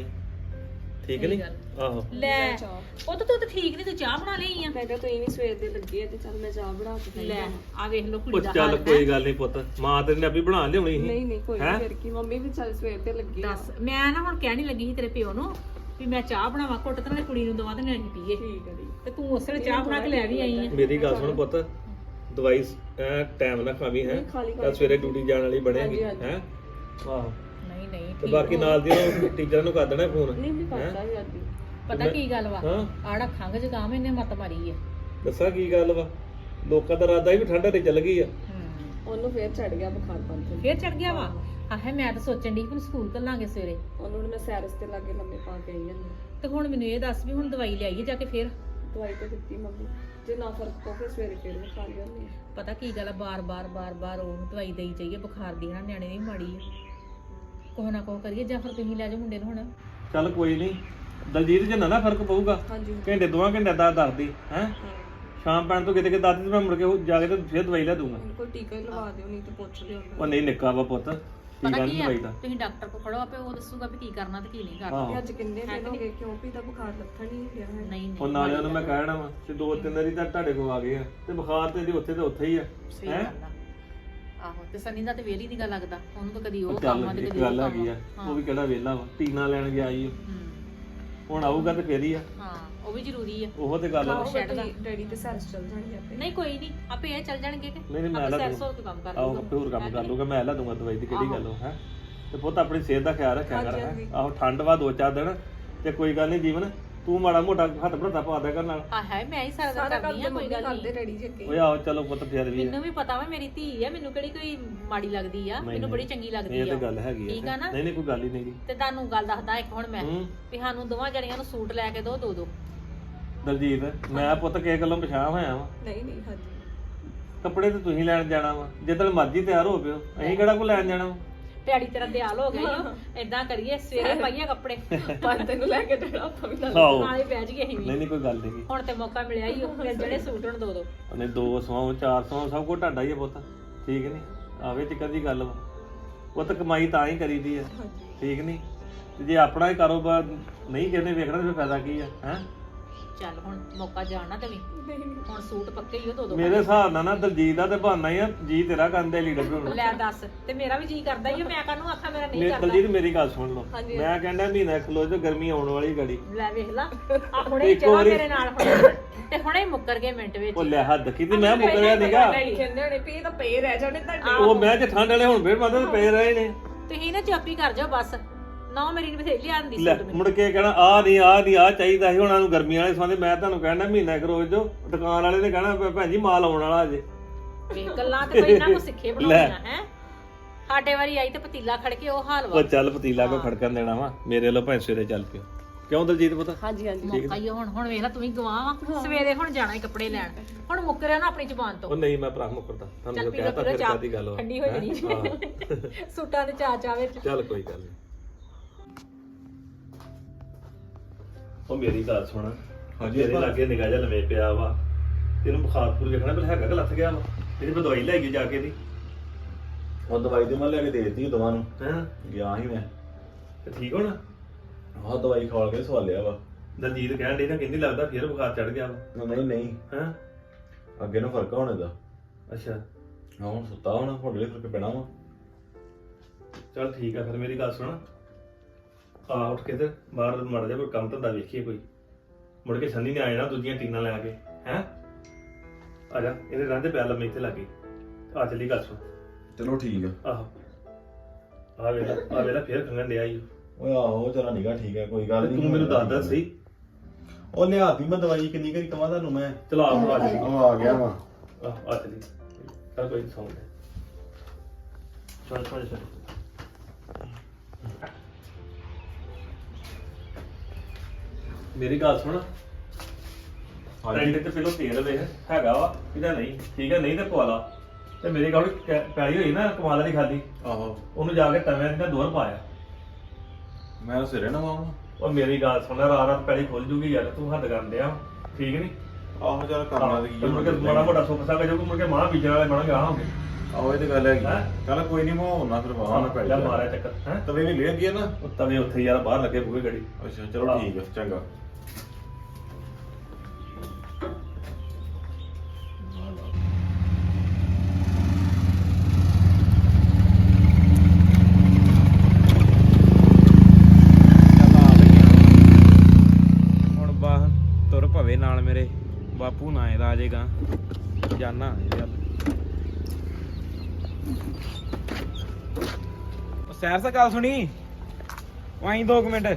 ਠੀਕ ਸਹੀ ਨਹੀਂ? ਗੱਲ। ਆਹੋ ਲੈ ਚਾਹ ਉਹ ਤਾਂ ਤੂੰ ਤਾਂ ਠੀਕ ਨਹੀਂ, ਤੂੰ ਚਾਹ ਬਣਾ ਲਈ ਆ। ਮੈਂ ਕਿਹਾ ਤੁਸੀਂ ਵੀ ਸਵੇਰ ਦੇ ਲੱਗੇ ਆ ਤੇ ਚੱਲ ਮੈਂ ਚਾਹ ਬਣਾ ਕੇ ਲੈ ਆ ਵੇਖ ਲੋ ਉਹ ਕੁੜੀ ਦਾ ਚੱਲ ਹਾਲ। ਕੋਈ ਗੱਲ ਨਹੀਂ ਪੁੱਤ, ਮਾਂ ਤੇਰੀ ਨੇ ਆਪੀ ਬਣਾ ਲਿਆਉਣੀ ਸੀ। ਨਹੀਂ ਨਹੀਂ ਕੋਈ ਹੈਂ? ਨਹੀਂ, ਫਿਰ ਕੀ ਮੰਮੀ ਵੀ ਚੱਲ ਸਵੇਰ ਤੇ ਲੱਗੀ ਆ। ਦੱਸ ਮੈਂ ਨਾ ਹੁਣ ਕਹਿਣੀ ਲੱਗੀ ਸੀ ਤੇਰੇ ਪਿਓ ਨੂੰ ਵੀ ਮੈਂ ਚਾਹ ਬਣਾਵਾਂ ਘੁੱਟ ਤੇ ਨਾਲੇ ਕੁੜੀ ਨੂੰ ਦਵਾ ਤੇ ਨਾਲੇ ਅਸੀਂ ਪੀਏ। ਠੀਕ ਹੈ ਜੀ। ਤੇ ਤੂੰ ਉਸ ਵੇਲੇ ਚਾਹ ਬਣਾ ਕੇ ਲੈ ਵੀ ਆਈ ਆ। ਮੇਰੀ ਗੱਲ ਸੁਣ ਪੁੱਤ, ਦਵਾਈ ਟਾਈਮ ਨਾਲ ਖਾਵੀ ਹੈ। ਨਹੀਂ, ਖਾਲੀ ਕੱਲ ਸਵੇਰੇ ਡਿਊਟੀ ਜਾਣ ਵਾਲੀ ਬਣੇਗੀ ਹਾਂਜੀ, ਹੈ। ਆਹੋ ਨਹੀਂ ਨਹੀਂ ਤੇ ਠੀਕ ਬਾਕੀ ਹੋ। ਨਾਲ ਦੀ ਟੀਚਰ ਨੂੰ ਕਰ ਦੇਣਾ ਫੋਨ। ਨਹੀਂ ਨਹੀਂ ਹੈਂ? ਕਰਦਾ ਹੀ ਅੱਜ। ਪਤਾ ਕੀ ਗੱਲ ਵਾ? ਹਾਂ ਆੜਾ ਖੰਗ ਜ਼ੁਕਾਮ ਇਹਨੇ ਮੱਤ ਮਾਰੀ ਆ। ਦੱਸਾਂ ਕੀ ਗੱਲ ਵਾ, ਲੋਕਾਂ ਦਾ ਇਰਾਦਾ ਹੀ ਵੀ ਠੰਡ ਹਰੇ ਚੱਲ ਗਈ ਆ। ਉਹਨੂੰ ਫੇਰ ਚੜ ਗਿਆ ਬੁਖਾਰ ਪੰਜ। ਫੇਰ ਚੜ ਗਿਆ ਵਾ। ਆਹੇ ਮੈਂ ਤਾਂ ਸੋਚਣ ਦੀ ਕਿ ਸਕੂਲ ਘੱਲਾਂਗੇ ਸਵੇਰੇ। ਉਹਨੂੰ ਹੁਣ ਮੈਂ ਸੈਰਸ ਤੇ ਲਾਗੇ ਲੰਮੇ ਪਾ ਕੇ ਆਈ ਹਾਂ। ਤੇ ਹੁਣ ਮੈਨੂੰ ਇਹ ਦੱਸ ਵੀ ਹੁਣ ਦਵਾਈ ਲਿਆਈਏ ਜਾ ਕੇ ਫੇਰ? ਦਵਾਈ ਤੇ ਦਿੱਤੀ ਮੰਮੀ, ਜੇ ਨਾ ਫਰਕ ਪਊ ਫਿਰ ਸਵੇਰੇ ਫੇਰ ਮੈਂ ਖਾ ਲਿਆਉਂਦੀ। ਪਤਾ ਕੀ ਗੱਲ ਆ, ਬਾਰ-ਬਾਰ ਉਹ ਦਵਾਈ ਦੇਈ ਜਾਈਏ ਬੁਖਾਰ ਦੀ। ਹਨਾ ਨਿਆਣੇ ਦੀ ਮਾੜੀ ਆ। ਕੋਹ ਨਾ ਕੋਹ ਕਰੀਏ ਜਾਂ ਫਿਰ ਤੁਸੀਂ ਲੈ ਜਾਓ ਮੁੰਡੇ ਨੂੰ ਹੁਣ। ਚੱਲ ਕੋਈ ਨਹੀਂ, ਦਲਜੀਤ ਜਿੰਨਾ ਨਾ ਫਰਕ ਪਊਗਾ ਹਾਂਜੀ ਘੰਟੇ ਦੋਵਾਂ ਘੰਟੇ ਦਾ ਦੱਸਦੀ ਹੈ। ਹਾਂ, ਸ਼ਾਮ ਪੈਣ ਤੋਂ ਕਿਤੇ ਕਿ ਦੱਸਦੀ ਤੇ ਮੈਂ ਮੁੜ ਕੇ ਉਹ ਜਾ ਕੇ ਤੇ ਫਿਰ ਦਵਾਈ ਲੈ ਦੂੰਗਾ। ਹੁਣ ਕੋਈ ਟੀਕਾ ਹੀ ਲਵਾ ਦਿਓ, ਨਹੀਂ ਤੇ ਪੁੱਛ ਲਿਓ ਉਹ ਨਹੀਂ ਨਿੱਕਾ ਵਾ ਪੁੱਤ, ਕੀ ਪਤਾ ਗੱਲ ਕੀ ਆ, ਦਵਾਈ ਦਾ। ਤੁਸੀਂ ਡਾਕਟਰ ਕੋਲ ਖੜੋ, ਆਪੇ ਉਹ ਦੱਸੂਗਾ ਵੀ ਕੀ ਕਰਨਾ ਤੇ ਕੀ ਨਹੀਂ ਕਰਨਾ। ਆਹੋ। ਅੱਜ ਕਿੰਨੇ ਦਿਨ ਹੋ ਗਏ ਕਿਉਂ ਵੀ ਤਾਂ ਬੁਖਾਰ ਲੱਥਣ ਨਹੀਂ ਗਿਆ ਹੈ। ਨਹੀਂ ਉਹ ਨਾਲੇ ਉਹਨੂੰ ਮੈਂ ਕਹਿਣਾ ਵਾ ਤੇ 2-3 ਵਾਰੀ ਤਾਂ ਤੁਹਾਡੇ ਕੋਲ ਆ ਗਏ ਆ ਤੇ ਬੁਖਾਰ ਤੇ ਇਹਦੇ ਉੱਥੇ ਤੇ ਉੱਥੇ ਹੀ ਆ। ਸਹੀ ਗੱਲ ਆ। ਆਹੋ ਤੇ ਸਨੀ ਦਾ ਤੇ ਵੇਲੀ ਦੀ ਗੱਲ ਲੱਗਦਾ ਉਹਨੂੰ ਤਾਂ ਕਦੀ ਉਹ ਉਹ ਕੰਮ ਆ ਚੱਲ ਤੇ ਇੱਕ ਕਦੀ ਉਹ ਗੱਲ ਕੰਮ ਹੈਗੀ ਆ। ਆ, ਉਹ ਵੀ ਕਿਹੜਾ ਵਿਹਲਾ ਵਾ, ਟੀਨਾ ਲੈਣ ਗਿਆ ਈ ਓ। ਹੂੰ। ਹੁਣ ਆਊਗਾ ਤੇ ਫੇਰ ਹੀ ਆ। ਹਾਂ ਉਹ ਵੀ ਜ਼ਰੂਰੀ ਆ। ਉਹ ਤੇ ਗੱਲ ਵਾ। ਛੱਡ ਦਾ। ਡੈਡੀ ਤੇ ਸੈਰਸ ਚੱਲ ਜਾਣਗੇ ਆਪੇ। ਨਹੀਂ ਕੋਈ ਨਹੀਂ, ਆਪੇ ਇਹ ਚੱਲ ਜਾਣਗੇ ਕਿ ਨਹੀਂ ਮੈਂ ਆਪੇ ਲਾ ਸਰਸੋਂ ਦੂੰਗਾ। ਤੋਂ ਕੰਮ ਕਰ ਆਹੋ ਲੂਗਾ। ਆਪੇ ਹੋਰ ਕੰਮ ਕਰ ਲੂਗਾ, ਮੈਂ ਲਾ ਦੂੰਗਾ ਦਵਾਈ ਦੀ ਕਿਹੜੀ ਆਹੋ। ਗੱਲ ਹੋ ਹੈ। ਤੇ ਪੁੱਤ ਆਪਣੀ ਸਿਹਤ ਦਾ ਖਿਆਲ ਰੱਖਿਆ ਕਰ ਹਾਂਜੀ, ਹੈ। ਹਾਂਜੀ। ਆਹੋ ਠੰਡ ਵਾ 2-4 ਦਿਨ ਤੇ ਕੋਈ ਗੱਲ ਨਹੀਂ ਜੀਵਨ, ਤੂੰ ਮਾੜਾ ਮੋਟਾ ਹੱਥ ਭਰਤਾ ਪਾ ਦਿਆ ਕਰ ਨਾਲ। ਹਾਂ ਹੈ ਮੈਂ ਹੀ ਸਾਰਾ ਸਾਰਾ ਦਿਨ ਕੰਮ ਕਰਦੀ ਤੇ ਆ, ਕੋਈ ਮੰਮੀ ਗੱਲ ਕਰਦੇ ਨਹੀਂ। ਡੈਡੀ ਜੀ ਅੱਗੇ। ਓਏ ਆਹੋ ਚਲੋ ਪੁੱਤ ਫੇਰ ਵੀ ਆ। ਮੈਨੂੰ ਵੀ ਪਤਾ ਵਾ ਮੇਰੀ ਧੀ ਆ, ਮੈਨੂੰ ਕਿਹੜੀ ਕੋਈ ਮਾੜੀ ਲੱਗਦੀ ਆ, ਨਹੀਂ, ਮੈਨੂੰ ਨਹੀਂ। ਬੜੀ ਚੰਗੀ ਲੱਗਦੀ ਇਹ ਆ। ਤੇ ਗੱਲ ਹੈਗੀ ਠੀਕ ਆ ਨਾ? ਨਹੀਂ ਨਹੀਂ ਕੋਈ ਗੱਲ ਹੀ ਨਹੀਂ ਗੀ। ਤੇ ਤੁਹਾਨੂੰ ਗੱਲ ਦੱਸਦਾ ਇੱਕ ਹੁਣ ਮੈਂ ਹੂੰ। ਵੀ ਸਾਨੂੰ ਦੋਵਾਂ ਜਣੀਆਂ ਨੂੰ ਸੂਟ ਲੈ ਕੇ ਦੋ ਦੋ। ਦਲਜੀਤ ਮੈਂ ਪੁੱਤ ਕਿਸੇ ਗੱਲੋਂ ਪਛਾਣ ਹੋਇਆ ਵਾ, ਨਹੀਂ ਨਹੀਂ ਹਾਂਜੀ। ਕੱਪੜੇ ਤੇ ਤੁਸੀਂ ਲੈਣ ਜਾਣਾ ਵਾ, ਜਿੱਦਣ ਮਰਜ਼ੀ ਤਿਆਰ ਹੋ ਪਿਓ, ਅਸੀਂ ਕਿਹੜਾ ਕੋ ਲੈਣ ਜਾਣਾ ਵਾ। ਪਿਆੜੀ ਤੇਰਾ ਦਿਆਲ ਹੋ ਗਿਆ ਏਦਾਂ ਕਰੀਏ ਸਵੇਰੇ ਪਾਈਏ ਕੱਪੜੇ ਪੰਜ ਤੈਨੂੰ ਲੈ ਕੇ ਜਾਣਾ ਆਪਾਂ ਵੀ ਨਾਲ। ਆਹੋ ਨਾਲੇ ਬਹਿ ਜੀਏ ਅਸੀਂ ਵੀ। ਨਹੀਂ ਨਹੀਂ ਕੋਈ ਗੱਲ ਨਹੀਂ। ਹੁਣ ਤੇ ਮੌਕਾ ਮਿਲਿਆ ਹੀ ਉਹ ਜਿਹੜੇ ਸੂਟ ਹੁਣ ਦੋ। ਉਹਨੇ 200 400 ਸਭ ਕੁਝ ਤੁਹਾਡਾ ਹੀ ਆ ਪੁੱਤ, ਠੀਕ ਨਹੀਂ? ਆਵੇ ਚ ਕਦੀ ਗੱਲ ਵਾ, ਪੁੱਤ ਕਮਾਈ ਤਾਂ ਹੀ ਕਰੀਦੀ ਆ, ਠੀਕ ਨਹੀਂ? ਤੇ ਜੇ ਆਪਣਾ ਹੀ ਕਾਰੋਬਾਰ ਨਹੀਂ ਕਹਿੰਦੇ ਵੇਖਣਾ ਤੇ ਫਿਰ ਫਾਇਦਾ ਕੀ ਆ ਹੈ। ਚੱਲ ਹੁਣ ਮੌਕਾ ਜਾਣ ਨਾ ਦੇਵੀਂ ਹੁਣ ਸੂਟ ਪੱਕੇ ਹੀ ਉਹ ਦੋ ਮੇਰੇ ਹਿਸਾਬ ਨਾਲ ਨਾ ਦਲਜੀਤ ਦਾ ਤੇ ਬਹਾਨਾ ਹੀ ਆ ਜੀ ਤੇਰਾ ਕੰਦੇ ਲੀਡਰ ਬਣਾਉਣਾ ਲੈ ਦੱਸ ਤੇ ਮੇਰਾ ਵੀ ਜੀ ਕਰਦਾ ਹੀ ਆ, ਮੈਂ ਕਾਹਨੂੰ ਆਖਾਂ ਮੇਰਾ ਨਹੀਂ ਕਰਦਾ। ਦਲਜੀਤ ਮੇਰੀ ਗੱਲ ਸੁਣ ਲਓ ਹਾਂਜੀ। ਮੈਂ ਕਹਿੰਦਾ ਮਹੀਨਾ ਖਲੋ ਜੋ ਗਰਮੀ ਆਉਣ ਵਾਲੀ ਗੜੀ ਲੈ ਵੇਖ ਲਾ ਆ ਹੁਣੇ ਇੱਕ ਚਲਾ ਵਾਰੀ- ਮੇਰੇ ਨਾਲ ਹੁਣ ਤੇ ਹੁਣੇ ਹੀ ਮੁੱਕਰ ਗਏ ਮਿੰਟ ਵਿੱਚ ਉਹ ਲੈ ਹੱਦ ਕੀਤੀ ਮੈਂ ਮੁਕਰਿਆ ਨੀਗਾ ਕਹਿੰਦੇ ਹੋਣੇ ਵੀ ਇਹ ਤਾਂ ਪਏ ਰਹਿ ਜਾਣੇ ਤੁਹਾਡੇ ਉਹ ਮੈਂ ਚ ਠੰਡ ਵਾਲੇ ਹੁਣ ਫੇਰ ਮਦਦ ਪਏ ਰਹੇ ਨੇ ਤੁਸੀਂ ਨਾ ਚੁੱਪ ਹੀ ਕਰ ਜਾਓ ਬਸ ਨਾ ਮੇਰੀ ਨੇ ਬਥੇਰੀ ਆਂਦੀ ਲੈ ਸੂਟ ਮੈਨੂੰ ਮੁੜ ਕੇ ਕਹਿਣਾ ਆ ਨਹੀਂ ਆ ਚਾਹੀਦਾ ਸੀ ਉਹਨਾਂ ਨੂੰ ਗਰਮੀਆਂ ਵਾਲੇ ਸੰਦੇ ਮੈਂ ਤੁਹਾਨੂੰ ਕਹਿਣਾ ਮਹੀਨਾ ਇੱਕ ਰੋਜ਼ ਜੋ ਦੁਕਾਨ ਵਾਲੇ ਨੇ ਕਹਿਣਾ ਭੈਣ ਜੀ ਮਾਲ ਆਉਣ ਵਾਲਾ ਅਜੇ ਵੇਖ ਗੱਲਾਂ ਤੇ ਕੋਈ ਇਹਨਾਂ ਕੋ ਸਿੱਖੇ ਬਣਾਉਣੀਆਂ ਹੈ ਸਾਡੇ ਵਾਰੀ ਆਈ ਤੇ ਪਤੀਲਾ ਖੜ ਕੇ ਉਹ ਹਾਲ ਉਹ ਵਾ ਚੱਲ ਪਤੀਲਾ ਕੋ ਖੜਕਣ ਦੇਣਾ ਵਾ ਮੇਰੇ ਵੱਲੋਂ ਭਾਵੇਂ ਸਵੇਰੇ ਚੱਲ ਪਿਓ ਕਿਉਂ ਦਲਜੀਤ ਪਤਾ ਹਾਂਜੀ ਹਾਂਜੀ ਮੌਕਾ ਹੀ ਆ ਹੁਣ ਵੇਖ ਲੈ ਤੂੰ ਹੀ ਗਵਾਹ ਵਾ ਸਵੇਰੇ ਹੁਣ ਜਾਣਾ ਹੀ ਕੱਪੜੇ ਲੈਣ ਹੁਣ ਮੁੱਕਰਿਆ ਨਾ ਆਪਣੀ ਜ਼ੁਬਾਨ ਤੋਂ ਉਹ ਨਹੀਂ ਮੈਂ ਭਰਾ ਮੁਕਰਦਾ ਚੱਲ ਤੁਹਾਨੂੰ ਪੀ ਲਓ ਕਹਿਤਾ ਪੀ ਲਓ ਫਿਰ ਚਾਹ ਕਾਦੀ ਗੱਲ ਵਾ ਠੰਡੀ ਹੋ ਜਾਣੀ ਹਾਂ। ਸੂਟਾਂ ਦੇ ਚਾਅ ਵਿੱਚ ਚੱਲ ਕੋਈ ਗੱਲ ਨਹੀਂ ਉਹ ਮੇਰੀ ਗੱਲ ਸੁਣ ਹਾਂਜੀ, ਤੇਰੇ ਭਾ। ਲਾਗੇ ਨਿਗਾਹ ਜਾ ਲਵੇਂ ਪਿਆ ਵਾ ਤੈਨੂੰ ਬੁਖਾਰ ਪੂਰ ਵੇਖਣਾ ਪਰ ਹੈਗਾ ਕਿ ਲੱਥ ਗਿਆ ਵਾ ਇਹਦੀ ਮੈਂ ਦਵਾਈ ਲੈ ਗਈ ਜਾ ਕੇ ਦੀ ਉਹ ਦਵਾਈ ਤੇ ਮੈਂ ਲੈ ਕੇ ਦੇ ਦਿੱਤੀ ਦੋਵਾਂ ਨੂੰ ਹਾਂ ਗਿਆ ਸੀ ਮੈਂ ਤੇ ਠੀਕ ਹੋਣਾ ਆਹ ਦਵਾਈ ਖਾ ਕੇ ਸਵਾਲਿਆ ਵਾ ਦਲਜੀਤ ਕਹਿਣ ਡਈ ਨਾ ਕਹਿੰਦੀ ਲੱਗਦਾ ਫੇਰ ਬੁਖਾਰ ਚੜ ਗਿਆ ਵਾ ਨਹੀਂ ਹਾਂ ਅੱਗੇ ਨੂੰ ਫਰਕ ਹੋਣੇ ਦਾ ਅੱਛਾ ਹਾਂ ਹੁਣ ਸੁੱਤਾ ਹੋਣਾ ਹੌਲੀ ਫਰਕ ਪੈਣਾ ਵਾ ਚੱਲ ਠੀਕ ਆ ਫਿਰ ਮੇਰੀ ਗੱਲ ਸੁਣ ਆ ਉੱਠ ਕੇ ਤੇ ਬਾਹਰ ਮੜ ਜਾ ਕੋਈ ਕੰਮ ਧੰਦਾ ਵੇਖੀਏ ਕੋਈ ਮੁੜ ਕੇ ਸੰਨੀ ਨੇ ਆ ਜਾਣਾ ਦੂਜੀਆਂ ਟੀਨਾਂ ਲੈ ਕੇ ਹੈ ਆ ਜਾ ਇਹਦੇ ਰਹਿੰਦੇ ਪਿਆ ਲੰਮੇ ਇੱਥੇ ਲੱਗੇ ਆ ਚੱਲੀ ਗੱਲ ਸੁਣ ਚਲੋ ਠੀਕ ਆ ਆਹੋ ਆ ਵੇਲਾ ਫੇਰ ਖੰਗਣ ਡਿਆ ਈ ਓਏ ਆਹੋ ਚਲਾ ਨਿਗਾ ਠੀਕ ਹੈ ਕੋਈ ਗੱਲ ਤੇ ਨਹੀਂ ਤੂੰ ਮੈਨੂੰ ਦੱਸਦਾ ਸਹੀ ਉਹ ਲਿਆਤੀ ਮੈਂ ਦਵਾਈ ਕਿੰਨੀ ਕਰੀ ਕਵਾਂ ਤੁਹਾਨੂੰ ਮੈਂ ਚਲਾ ਆ ਚੱਲੀ ਉਹ ਆ ਗਿਆ ਵਾ ਆ ਚੱਲੀ ਚੱਲ ਕੋਈ ਸੌਂ ਲੈ ਚੱਲ ਮੇਰੀ ਗੱਲ ਸੁਣ ਟੈਂਟ ਤੇ ਪਹਿਲਾਂ ਤੇਲ ਵੇਖ ਹੈਗਾ ਵਾ ਇਹਦਾ ਨਹੀਂ ਠੀਕ ਹੈ ਨਹੀਂ ਤੇ ਪਵਾ ਲਾ ਤੇ ਮੇਰੀ ਗੱਲ ਪੈਲੀ ਹੋਈ ਨਾ ਕਮਾਲ ਦੀ ਖਾਦੀ ਆਹੋ ਉਹਨੂੰ ਜਾ ਕੇ ਤਵੇਂ ਤੇ ਦੋਰ ਪਾਇਆ ਮੈਂ ਸਿਰੇ ਨਾ ਮਾਵਾਂ ਉਹ ਮੇਰੀ ਗੱਲ ਸੁਣ ਰਾਤ ਪੈਲੀ ਖੁੱਲ ਜੂਗੀ ਯਾਰ ਤੂੰ ਹੱਦ ਕਰਦੇ ਆ ਠੀਕ ਨਹੀਂ ਆਹੋ ਚੱਲ ਕਰਨਾ ਤੇ ਕੀ ਮੁੜ ਕੇ ਮਾੜਾ ਮੋਟਾ ਸੁੱਕ ਸਕਾ ਜੋ ਮੁੜ ਕੇ ਮਾਂ ਬੀਜਣ ਵਾਲੇ ਬਣਾਂਗੇ ਆਵਾਂਗੇ ਆਹੋ ਇਹ ਤੇ ਗੱਲ ਹੈਗੀ ਹੈਂ? ਚੱਲ ਕੋਈ ਨਹੀਂ ਮੈਂ ਹੋਣਾ ਫਿਰ ਵਾਹਾਂ ਮੈਂ ਪੈ ਲੈ ਮਾਰਿਆ ਚੱਕਰ ਹੈ ਤਵੇ ਵੀ ਲੈ ਗਈ ਨਾ ਉਹ ਤਵੇ ਉੱਥੇ ਯਾਰ ਬਾਹਰ ਲੱਗੇ ਬੂਹੇ ਗੜੀ ਅੱਛਾ ਚਲੋ ਠੀਕ ਆ ਚੰਗਾ ਹੁਣ ਬਾਹ ਤੁਰ ਭਵੇ ਨਾਲ ਮੇਰੇ ਬਾਪੂ ਨਾ ਇਹਦਾ ਆ ਜਾਏਗਾ ਜਾਨਾ ਇਹਦੇ ਵੱਲ ਉਹ ਸੈਰ ਸਾ ਗੱਲ ਸੁਣੀ ਵਾਈ 2 ਮਿੰਟ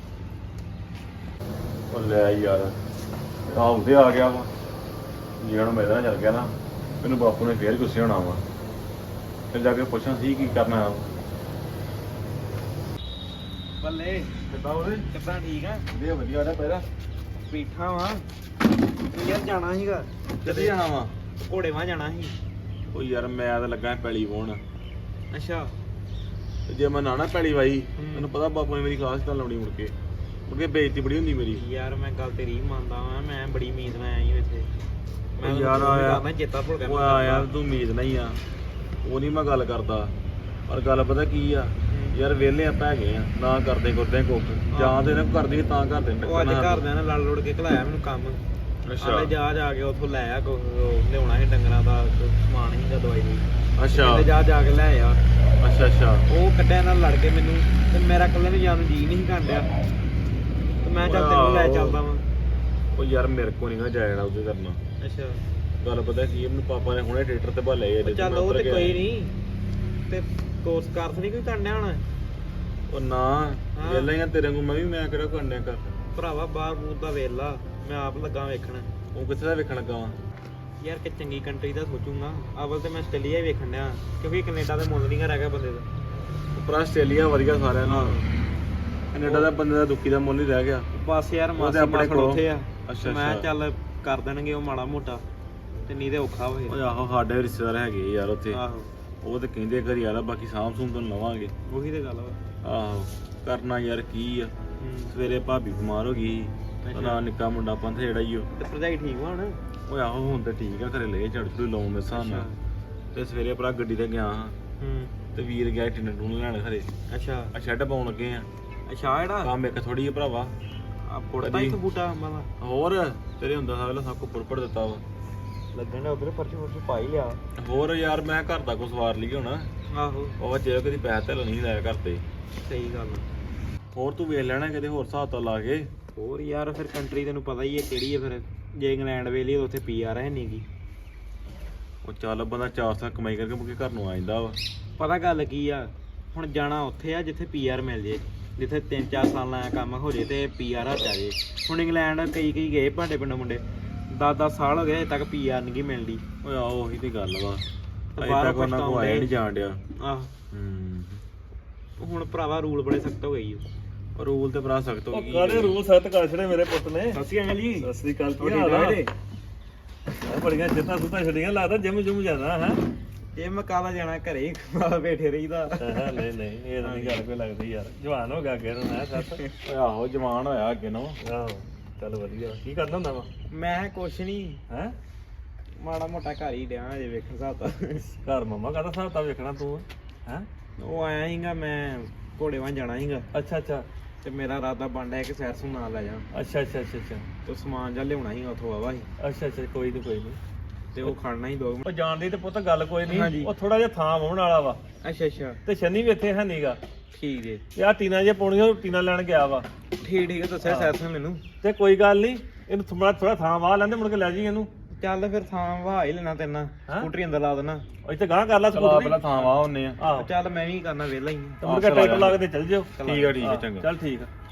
ਉਹ ਲੈ ਯਾਰ ਕੰਮ ਤੇ ਆ ਗਿਆ ਵਾ ਜਿਹੜਾ ਨੂੰ ਮੈਦਾਨ ਚੱਲ ਗਿਆ ਨਾ ਮੈਨੂੰ ਬਾਪੂ ਨੇ ਫੇਰ ਗੁੱਸੇ ਹੋਣਾ ਵਾ ਫਿਰ ਜਾ ਕੇ ਪੁੱਛਾਂ ਸੀ ਕੀ ਕਰਨਾ ਆ ਬੱਲੇ ਕਿੱਦਾਂ ਉਹਦੇ ਕਿੱਦਾਂ ਠੀਕ ਆ ਵਧੀਆ ਵਧੀਆ ਰਿਹਾ ਪਹਿਰਾ ਬੈਠਾ ਵਾਂ ਯਾਰ ਜਾਣਾ ਸੀਗਾ ਕਿੱਥੇ ਜਾਣਾ ਵਾ ਘੋੜੇ ਵਾਂ ਜਾਣਾ ਸੀ ਉਹ ਯਾਰ ਮੈਂ ਤਾਂ ਲੱਗਾ ਪੈਲੀ ਵਾਹੁਣ ਅੱਛਾ ਤੇ ਜੇ ਮੈਂ ਨਾ ਨਾ ਪੈਲੀ ਵਾਈ ਹੂੰ। ਮੈਨੂੰ ਪਤਾ ਬਾਪੂ ਨੇ ਮੇਰੀ ਖਾਸ ਤਾਂ ਲਾਉਣੀ ਮੁੜ ਕੇ ਬੇਇੱਜ਼ਤੀ ਬੜੀ ਹੁੰਦੀ ਮੇਰੀ ਯਾਰ ਮੈਂ ਗੱਲ ਤੇਰੀ ਮੰਨਦਾ ਵਾਂ ਮੈਂ ਬੜੀ ਉਮੀਦ ਨਾਲ ਆਇਆ ਸੀ ਇੱਥੇ ਮੈਂ ਉਹ ਯਾਰ ਆਇਆ ਮੈਂ ਚੇਤਾ ਭੁੱਲ ਗਿਆ ਉਹ ਆ ਯਾਰ ਤੂੰ ਉਮੀਦ ਨਹੀਂ ਆ ਉਹ ਨਹੀਂ ਮੈਂ ਗੱਲ ਕਰਦਾ ਪਰ ਗੱਲ ਪਤਾ ਕੀ ਆ ਯਾਰ ਵਿਹਲੇ ਆਪਾਂ ਹੈਗੇ ਆ ਨਾ ਕਰਦੇ ਕੁੱਖ ਜਾਂ ਤੇ ਇਹਨਾਂ ਕਰਦੀ ਤਾਂ ਕਰਦੇ ਨੇ ਉਹ ਅੱਜ ਘਰਦਿਆਂ ਨੇ ਲੜ ਲੁੜ ਕੇ ਘਲਾਇਆ ਮੈਨੂੰ ਕੰਮ ਅੱਛਾ ਆਲੇ ਜਾ ਕੇ ਉੱਥੋਂ ਲੈ ਆ ਲਿਆਉਣਾ ਸੀ ਡੰਗਰਾਂ ਦਾ ਸਮਾਨ ਸੀਗਾ ਦਵਾਈ ਦੀ ਅੱਛਾ ਕਹਿੰਦੇ ਜਾ ਕੇ ਲੈ ਆ ਅੱਛਾ ਉਹ ਕੱਢਿਆ ਨਾਲ ਲੜ ਕੇ ਮੈਨੂੰ ਤੇ ਮੇਰਾ ਇਕੱਲੇ ਨੂੰ ਜਾਣ ਨੂੰ ਜੀ ਨਹੀਂ ਕਾਂਡਿਆ ਤੇ ਮੈਂ ਚੱਲ ਤੈਨੂੰ ਲੈ ਚੱਲਦਾ ਵਾਂ ਉਹ ਯਾਰ ਮੇਰੇ ਕੋ ਨਹੀਂ ਜਾਣਾ ਉਹਦੇ ਕਰਨਾ ਅੱਛਾ ਗੱਲ ਪਤਾ ਕੀ ਮੈਨੂੰ ਪਾਪਾ ਨੇ ਹੁਣੇ ਟਰੈਕਟਰ ਤੇ ਭਾਲੇ ਉਹ ਚੱਲ ਉਹ ਤੇ ਕੋਈ ਨਹੀਂ ਤੇ ਕੋਰਸ ਕਰ ਨਹੀਂ ਕੋਈ ਕਰਨਾ ਹੁਣ ਉਹ ਨਾ ਵੇਲਾ ਹੀ ਆ ਤੇਰੇ ਨੂੰ ਮੈਂ ਵੀ ਮੈਂ ਕਿਹੜਾ ਕਰਨਿਆ ਕਰ ਭਰਾਵਾ ਬਾਹਰ ਬੂਰ ਦਾ ਵੇਲਾ ਮੈਂ ਆਪ ਲੱਗਾ ਵੇਖਣ ਉਹ ਕਿੱਥੇ ਦਾ ਵੇਖਣ ਲੱਗਾ ਵਾ ਯਾਰ ਕਿ ਚੰਗੀ ਕੰਟਰੀ ਦਾ ਸੋਚੂਗਾ ਅਵਲ ਤੇ ਮੈਂ ਆਸਟ੍ਰੇਲੀਆ ਹੀ ਵੇਖਣ ਡਿਆ ਕਿਉਂਕਿ ਕੈਨੇਡਾ ਦੇ ਮੁੱਲ ਨਹੀਂ ਰਹਿ ਗਿਆ ਬੰਦੇ ਦਾ ਪਰ ਆਸਟ੍ਰੇਲੀਆ ਵਧੀਆ ਸਾਰਿਆਂ ਨਾਲ ਕੈਨੇਡਾ ਦਾ ਬੰਦੇ ਦਾ ਦੁੱਖੀ ਦਾ ਮੁੱਲ ਨਹੀਂ ਰਹਿ ਗਿਆ ਬਸ ਯਾਰ ਉਹਦੇ ਮਾਸੀ ਆਪਣੇ ਆਪਣੇ ਕੋਲ। ਉੱਥੇ ਆ ਅੱਛਾ, ਮੈਂ ਅੱਛਾ। ਚੱਲ ਕਰ ਦੇਣਗੇ ਉਹ ਮਾੜਾ ਮੋਟਾ ਤੇ ਨਹੀਂ ਤੇ ਔਖਾ ਹੋਏ ਓਏ ਆਹੋ ਸਾਡੇ ਰਿਸ਼ਤੇਦਾਰ ਹੈਗੇ ਯਾਰ ਉੱਥੇ ਆਹੋ ਉਹ ਤੇ ਕਹਿੰਦੇ ਘਰ ਯਾਰ ਬਾਕੀ ਸਾਂਭ ਸੂਮ ਤੋਂ ਲਵਾਂਗੇ ਉਹੀ ਤੇ ਗੱਲ ਵਾ ਆਹੋ ਕਰਨਾ ਯਾਰ ਕੀ ਆ ਸਵੇਰੇ ਭਾਬੀ ਬਿਮਾਰ ਹੋ ਗਈ ਅੱਛਾ। ਨਾ ਨਿੱਕਾ ਮੁੰਡਾ ਪੰਥ ਜਿਹੜਾ ਹੀ ਉਹ ਤੇ ਭਰਜਾਈ ਠੀਕ ਵਾ ਹੁਣ ਓਏ ਆਹੋ ਹੁਣ ਤੇ ਠੀਕ ਆ ਘਰੇ ਲੈ ਝੜ ਝੜੂ ਲਾਉਣ ਦੇ ਹਿਸਾਬ ਨਾਲ ਤੇ ਸਵੇਰੇ ਭਰਾ ਗੱਡੀ ਤੇ ਗਿਆ ਹਾਂ ਤੇ ਵੀਰ ਗਿਆ ਟਿੰਨ ਟੂਨ ਲੈਣ ਘਰੇ ਅੱਛਾ ਆ ਸ਼ੈੱਡ ਪਾਉਣ ਲੱਗੇ ਆ ਅੱਛਾ ਜਿਹੜਾ ਕੰਮ ਇੱਕ ਥੋੜੀ ਜਿਹੀ ਭਰਾਵਾ ਆ ਪੁੱਟਦਾ ਇੱਕ ਬੂਟਾ ਅੰਬਾਂ ਦਾ ਹੋਰ ਤੇਰੇ ਹੁੰਦਾ ਸਾਰਾ ਸਭ ਕੋ ਪੁਰਪੜ ਦਿੱਤਾ ਵਾ ਲੱਗਣ ਦਾ ਉਧਰ ਪਰਚੀ ਪਰਚੀ ਪਾ ਹੀ ਲਿਆ ਹੋਰ ਯਾਰ ਮੈਂ ਘਰ ਦਾ ਕੋ ਸਵਾਰ ਲਈ ਹੁਣ ਆਹੋ ਉਹ ਜੇ ਕਦੀ ਪੈਸੇ ਤੇ ਨਹੀਂ ਲਾਇਆ ਘਰ ਤੇ ਸਹੀ ਗੱਲ ਹੋਰ ਤੂੰ ਵੇਖ ਲੈਣਾ ਕਿਤੇ ਹੋਰ ਹਿਸਾਬ ਤਾਂ ਲਾ ਕੇ ਹੋਰ ਯਾਰ ਫਿਰ ਕੰਟਰੀ ਤੈਨੂੰ ਪਤਾ ਹੀ ਹੈ ਕਿਹੜੀ ਹੈ ਫਿਰ ਜੇ ਇੰਗਲੈਂਡ ਵੇਲੇ ਉੱਥੇ ਪੀਆਰ ਹੈ ਨਹੀਂਗੀ ਉਹ ਚੱਲ ਬੰਦਾ 4 ਸਾਲ ਕਮਾਈ ਕਰਕੇ ਮੁੜ ਕੇ ਘਰ ਨੂੰ ਆ ਜਾਂਦਾ ਵਾ ਪਤਾ ਗੱਲ ਕੀ ਆ ਹੁਣ ਜਾਣਾ ਉੱਥੇ ਆ ਜਿੱਥੇ ਪੀਆਰ ਮਿਲ ਜੇ ਜਿੱਥੇ 3-4 ਸਾਲ ਦਾ ਕੰਮ ਹੋ ਜੇ ਤੇ ਪੀਆਰ ਹੱਥ ਆ ਜੇ ਹੁਣ ਇੰਗਲੈਂਡ ਕਈ ਗਏ ਭਾਂਡੇ ਪਿੰਡੋਂ ਮੁੰਡੇ 10-10 ਸਾਲ ਹੋ ਗਏ ਹਜੇ ਤੱਕ ਪੀਆਰ ਨਹੀਂ ਮਿਲਦੀ ਓਏ ਆਹੋ ਉਹੀ ਤੇ ਗੱਲ ਵਾ ਤੇ ਅਜੇ ਬਾਹਰੋਂ ਤੱਕ ਉਹਨਾਂ ਕੋ ਆਇਆ ਨਹੀਂ ਜਾਣ ਡਿਆ ਆਹ ਹੁਣ ਭਰਾਵਾ ਰੂਲ ਬੜੇ ਸਖਤ ਹੋ ਗਏ ਪਰ ਰੂਲ ਤੇ ਭਰਾ ਸਖਤ ਹੋ ਉਹ ਗਈ ਕਾਹਦੇ ਰੂਲ ਸੈੱਟ ਕਰ ਛੜੇ ਮੇਰੇ ਪੁੱਤ ਨੇ ਸਸੀ ਅੰਕਲ ਜੀ ਸਤਿ ਸ੍ਰੀ ਅਕਾਲ ਹੋਰ ਕੀ ਠੀਕ ਹਾਲ ਠਾਕ ਆ ਜੀ? ਬੜੀਆਂ ਜਿੱਤਾਂ ਸੁੱਤਾਂ ਛੜੀਆਂ ਲੱਗਦਾ ਜਿਮ ਜੁਮ ਜਾਣਾ ਹੈ ਇਹ ਮੈਂ ਕਾਲਾ ਜਾਣਾ ਘਰੇ ਹੀ ਬੈਠੇ ਰਹੀਦਾ ਨਹੀਂ ਨਹੀਂ ਇਹ ਤਾਂ ਨਹੀਂ ਗੱਲ ਕੋਈ ਲੱਗਦੀ ਯਾਰ ਜਵਾਨ ਹੋ ਗਿਆ ਅੱਗੇ ਨੂੰ ਹੈ ਸੱਤ ਓਏ ਆਹੋ ਜਵਾਨ ਹੋਇਆ ਅੱਗੇ ਨੂੰ ਆਹੋ ਚੱਲ ਵਧੀਆ ਕੀ ਕਰਦਾ ਹੁੰਦਾ ਵਾ ਮੈਂ ਕੁਛ ਨਹੀਂ ਹੈ ਮਾੜਾ ਮੋਟਾ ਘਰ ਹੀ ਡਿਆ ਜੇ ਵੇਖਣ ਸਾਤਾ ਘਰ ਮਮਾ ਕਾਹਦਾ ਹਿਸਾਬ ਤਾਂ ਵੇਖਣਾ ਤੂੰ ਹੈ ਉਹ ਆਇਆ ਸੀਗਾ ਮੈਂ ਘੋੜੇ ਵਾਂ ਜਾਣਾ ਸੀਗਾ ਅੱਛਾ ਅੱਛਾ ਤੇ ਮੇਰਾ ਇਰਾਦਾ ਬਣ ਰਿਹਾ ਕਿ ਸੈਰ ਸੁਣ ਨਾਲ ਲੈ ਜਾ ਅੱਛਾ ਅੱਛਾ ਅੱਛਾ ਅੱਛਾ ਤੇ ਸਮਾਨ ਜਾਂ ਲਿਆਉਣਾ ਸੀਗਾ ਉੱਥੋਂ ਆਵਾ ਸੀ ਅੱਛਾ ਅੱਛਾ ਕੋਈ ਨਹੀਂ ਤੇ ਉਹ ਖੜਨਾ ਸੀ 2 ਉਹ ਜਾਣ ਦੀ ਤੇ ਪੁੱਤ ਗੱਲ ਕੋਈ ਨਹੀਂ ਹਾਂਜੀ। ਉਹ ਥੋੜਾ ਜਿਹਾ ਥਾਂ ਵਾਉਣ ਵਾਲਾ ਵਾ ਅੱਛਾ ਅੱਛਾ ਤੇ ਸ਼ਨੀ ਵੀ ਇੱਥੇ ਹੈ ਨਹੀਂਗਾ ਠੀਕ ਜੇ ਤੇ ਆ ਟੀਨਾ ਜੇ ਪਾਉਣੀਆਂ ਉਹ ਟੀਨਾ ਲੈਣ ਗਿਆ ਵਾ ਠੀਕ ਹੈ ਦੱਸਿਆ ਸੈਰ ਸੁਣ ਮੈਨੂੰ ਤੇ ਕੋਈ ਗੱਲ ਨਹੀਂ ਇਹਨੂੰ ਥੋੜਾ ਥਾਂ ਵਾਹ ਲੈਂਦੇ ਮੁੜ ਕੇ ਲੈ ਜੀ ਇਹਨੂੰ ਚੱਲ ਫਿਰ ਥਾਂ ਵਹਾ ਹੀ ਲੈਣਾ ਤੇਨਾਂ ਹੈਂ? ਸਕੂਟਰੀ ਅੰਦਰ ਲਾ ਦੇਣਾ ਉਹ ਇੱਥੇ ਗਾਂ ਕਰ ਲਾ ਚਲਾ ਸਕੂਟਰ ਪਹਿਲਾਂ ਥਾਂ ਵਾ ਹੁੰਨੇ ਆ ਆਹੋ ਚੱਲ ਮੈਂ ਵੀ ਕਰਨਾ ਵਿਹਲਾ ਹੀ ਤੇ ਮੁੜ ਕੇ ਟਰੈਕਟਰ ਲਾ ਕੇ ਤੇ ਚੱਲ ਜਿਓ ਠੀਕ ਆ ਹਾਂ, ਚੰਗਾ ਚੱਲ ਠੀਕ ਆ